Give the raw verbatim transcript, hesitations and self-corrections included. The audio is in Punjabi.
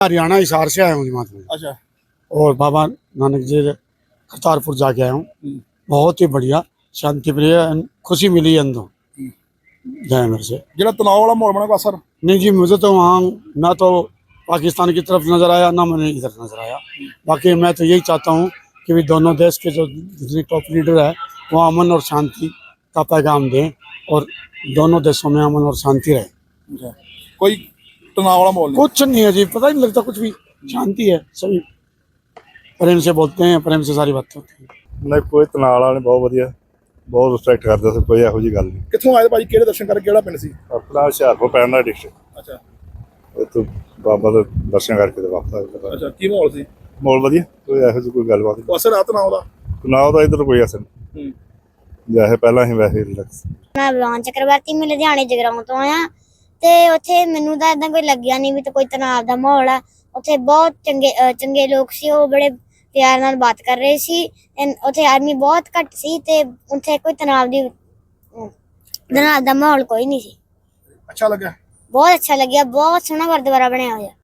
हरियाणा हिसार से आया हूँ जमात में। अच्छा। और बाबा नानक जी करतारपुर जाके आया हूँ। बहुत ही बढ़िया, शांति प्रिय, खुशी मिली अंदर गए मेरे से। जो तनाव वाला माहौल बना असर नहीं जी, मुझे तो वहाँ ना तो पाकिस्तान की तरफ नजर आया ना मैंने इधर नजर आया। बाकी मैं तो यही चाहता हूँ कि भी दोनों देश के जो जितने टॉप लीडर है वो अमन और शांति का पैगाम दें और दोनों देशों में अमन और शांति रहे। कोई तनाव वाला माहौल नहीं? कुछ नहीं है जी, पता ही नहीं लगता कुछ भी, शांति है, सभी प्रेम से बोलते हैं, प्रेम से सारी बातें होती हैं। नहीं कोई तनाव वाला नहीं, बहुत वधिया, बहुत रिस्पैक्ट करते थे, कोई ਇਹੋ ਜਿਹੀ ਗੱਲ ਨਹੀਂ। ਕਿੱਥੋਂ ਆਏ ਭਾਜੀ, ਕਿਹੜੇ ਦਰਸ਼ਨ ਕਰਕੇ, ਕਿਹੜਾ ਪਿੰਡ ਸੀ? ਆਪਣਾ ਹੁਸ਼ਿਆਰਪੁਰ ਪੈਂਦਾ ਡਿਸਟ੍ਰਿਕਟ। ਅੱਛਾ। ਉੱਥੋਂ ਬਾਬਾ ਦੇ ਦਰਸ਼ਨ ਕਰਕੇ ਤੇ ਵਾਪਸ ਆ ਗਏ। ਅੱਛਾ, ਕੀ ਮਾਹੌਲ ਸੀ? ਮਾਹੌਲ ਵਧੀਆ, ਕੋਈ ਇਹੋ ਜਿਹੀ ਕੋਈ ਗੱਲਬਾਤ ਨਹੀਂ। ਅਸਰ ਆ ਤਨਾਵ ਦਾ? ਤਨਾਵ ਦਾ ਇੱਧਰ ਕੋਈ ਅਸਰ ਨਹੀਂ, ਵੈਸੇ ਪਹਿਲਾਂ ਹੀ ਵੈਸੇ ਰਿਲੈਕਸ। ਮੈਂ ਬਲਵਾਨ ਚੱਕਰਵਰਤੀ, ਮੈਂ ਲੁਧਿਆਣੇ ਜਗਰਾਉਂ ਤੋਂ ਆਇਆ ਤੇ ਉੱਥੇ ਮੈਨੂੰ ਤਾਂ ਇਦਾਂ ਕੋਈ ਲੱਗਿਆ ਨਹੀਂ ਵੀ ਤਾਂ ਕੋਈ ਤਣਾਅ ਦਾ ਮਾਹੌਲ ਆ। ਉੱਥੇ ਬਹੁਤ ਚੰਗੇ ਚੰਗੇ ਲੋਕ ਸੀ, ਉਹ ਬੜੇ ਪਿਆਰ ਨਾਲ ਬਾਤ ਕਰ ਰਹੇ ਸੀ। ਉੱਥੇ ਆਦਮੀ ਬਹੁਤ ਘੱਟ ਸੀ ਤੇ ਉੱਥੇ ਕੋਈ ਤਣਾਅ ਦੀ ਤਣਾਅ ਦਾ ਮਾਹੌਲ ਕੋਈ ਨਹੀਂ ਸੀ। ਅੱਛਾ ਲੱਗਾ? ਬਹੁਤ ਅੱਛਾ ਲੱਗਿਆ, ਬਹੁਤ ਸੋਹਣਾ ਗੁਰਦੁਆਰਾ ਬਣਿਆ ਹੋਇਆ।